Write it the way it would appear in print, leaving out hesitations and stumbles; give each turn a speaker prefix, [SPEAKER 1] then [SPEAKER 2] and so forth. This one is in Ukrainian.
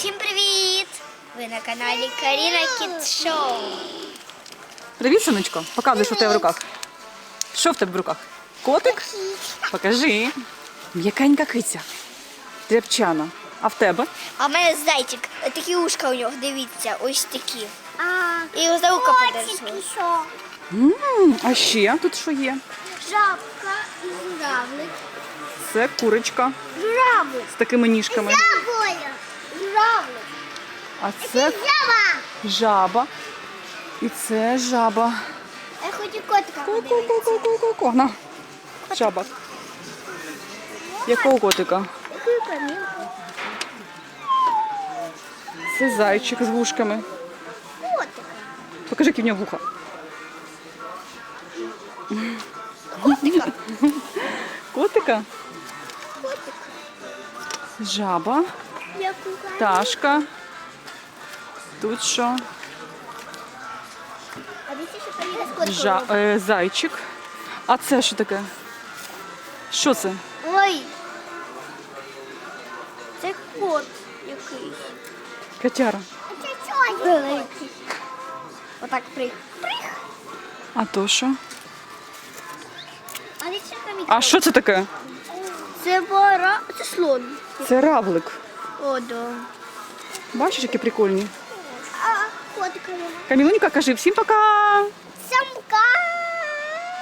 [SPEAKER 1] Всім привіт! Ви на каналі Каріна Кіт Шоу.
[SPEAKER 2] Привіт, сонечко. Показуй, що в тебе в руках. Що в тебе в руках? Котик? Покажи. М'якенька киця. Тряпчана. А в тебе?
[SPEAKER 1] А в мене зайчик. Такі ушка у нього, дивіться, ось такі. І його за вуха подержали.
[SPEAKER 2] А ще тут що є?
[SPEAKER 1] Жабка і журавлик.
[SPEAKER 2] Це курочка
[SPEAKER 1] Журавлик.
[SPEAKER 2] з такими ніжками.
[SPEAKER 1] Журавлик.
[SPEAKER 2] А це жаба. І це жаба.
[SPEAKER 1] Я хочу котика подивитися.
[SPEAKER 2] Ку-ку-ку-ку-ку-ку. На. Жаба. Якого котика?
[SPEAKER 1] Яку камінку?
[SPEAKER 2] Це зайчик з вушками.
[SPEAKER 1] Котика.
[SPEAKER 2] Покажи, які в нього вуха.
[SPEAKER 1] Котика.
[SPEAKER 2] Котика?
[SPEAKER 1] Котик.
[SPEAKER 2] Жаба.
[SPEAKER 1] Яку камінку?
[SPEAKER 2] Пташка. Тут що?
[SPEAKER 1] А дивіться, що Каріна з котиком робить.
[SPEAKER 2] Зайчик. А це що таке? Що це?
[SPEAKER 1] Ой. Це кот якийсь.
[SPEAKER 2] Котяра.
[SPEAKER 1] Великий. Отак прих.
[SPEAKER 2] А то що?
[SPEAKER 1] А дивіться, камінь.
[SPEAKER 2] А що це таке?
[SPEAKER 1] Це це слон.
[SPEAKER 2] Це равлик.
[SPEAKER 1] О, да.
[SPEAKER 2] Бачиш, які прикольні.
[SPEAKER 1] А котика.
[SPEAKER 2] Камілунька, кажи всім пока!
[SPEAKER 1] Самка.